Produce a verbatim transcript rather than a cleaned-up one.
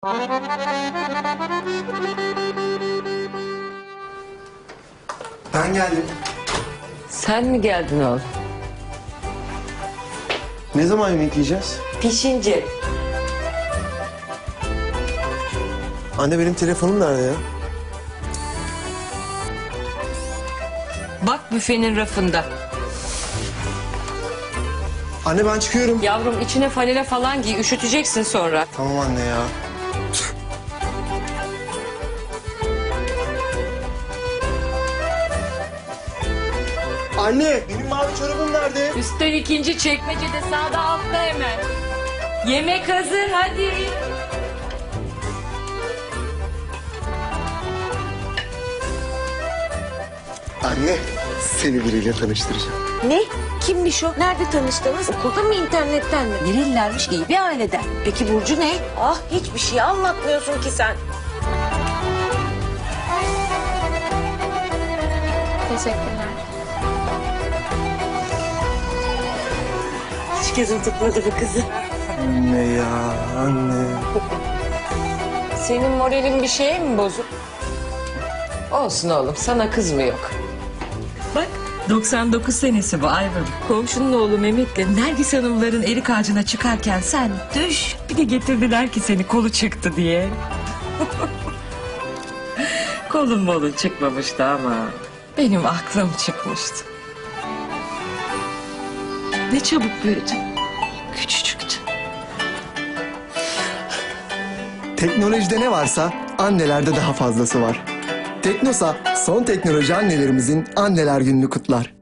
Ben geldim. Sen mi geldin oğlum? Ne zaman yemek yiyeceğiz? Pişince. Anne benim telefonum nerede ya? Bak büfenin rafında. Anne ben çıkıyorum. Yavrum içine falele falan giy, üşüteceksin sonra. Tamam anne ya. Anne benim mavi çorabım nerede? Üstten ikinci çekmecede sağda altta hemen. Yemek hazır hadi. Anne seni biriyle tanıştıracağım. Ne? Kimmiş o? Nerede tanıştınız? Okulda mı, internetten mi? Nerelilermiş, iyi bir aileden. Peki Burcu ne? Ah, hiçbir şey anlatmıyorsun ki sen. Teşekkürler. Hiç gözüm tutmadı bu kızı. Anne ya anne. Senin moralin bir şeye mi bozuk? Olsun oğlum, sana kız mı yok? Bak doksan dokuz senesi bu Ayvalık. Komşunun oğlu Mehmet'le Nergis Hanımların erik ağacına çıkarken sen düş. Bir de getirdiler ki seni kolu çıktı diye. Kolun molun çıkmamıştı ama benim aklım çıkmıştı. Ne çabuk büyüdün. Küçücüktü. Teknolojide ne varsa annelerde daha fazlası var. Teknosa son teknoloji annelerimizin anneler gününü kutlar.